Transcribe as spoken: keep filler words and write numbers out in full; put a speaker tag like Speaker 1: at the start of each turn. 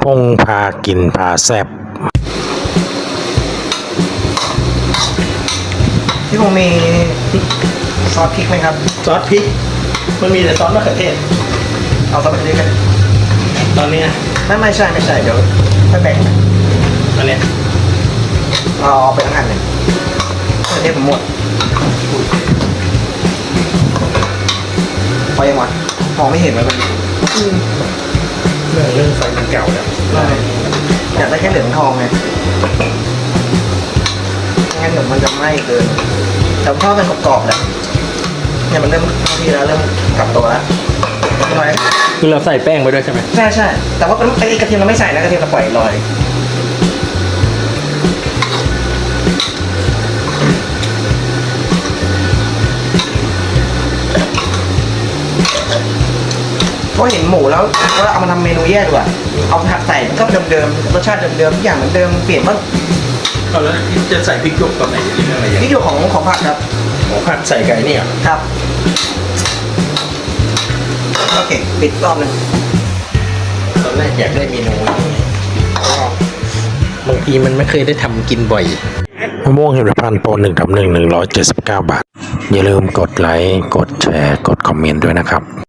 Speaker 1: พงพากินพาแซบ
Speaker 2: พี่คงมีซอสพริกไหมครับ
Speaker 3: ซอสพริกมันมีแต่ซอสมะเขือเทศ
Speaker 2: เอาซอสมะเขือเทศกัน
Speaker 3: ตอนนี้
Speaker 2: ไม่ไม่ใช่ไม่ใช่เดี๋ยวค่อยแบ่ง
Speaker 3: อันนี้
Speaker 2: เอาเอาไปทั้งอันเลยมะเขือเทศผมหมดพอยังวะมองไม่เห็นเลยมัน
Speaker 3: เรื่องเรื่องไฟมันเก่าแล้ว
Speaker 2: อยากได้แค่เหลืองทองไงงั้นเดี๋ยวมันจะไหม้เกินแต่ทอดกันกรอบๆแหละเนี่ยมันเริ่มทีแล้วเริ่มกลับตัวแล้วน้อย
Speaker 3: คือเราใส่แป้งไปด้วยใช่ไหม
Speaker 2: ใช่ใช่แต่ว่าไอ้กระเทียมเราไม่ใส่นะกระเทียมเราปล่อยลอยเพราะเห็นหมูแล้วว่าเอามาทำเมนูแยกดีกว่าเอาผัดใส่มันก็เดิมๆรสชาติเดิมๆทุกอย่างเหมือนเดิมเปลี่ยนบ้าง
Speaker 3: เอาแล้วจะใส่พริกหยวกตอนไหนหรืออะไรอย่าง
Speaker 2: พริกหยวกของของผัดครับ
Speaker 3: ของผัดใส่ไก่นี่อ่ะ
Speaker 2: ครับโอเคปิดรอบนึง
Speaker 3: ตอนแรกอยากได้เมนูนี้บางทีมันไม่เคยได้ทำกินบ่อย
Speaker 1: มะม่วงหิมพานต์โปรหนึ่งทับหนึ่งหนึ่งร้อยเจ็ดสิบเก้าบาทอย่าลืมกดไลค์กดแชร์กดคอมเมนต์ด้วยนะครับ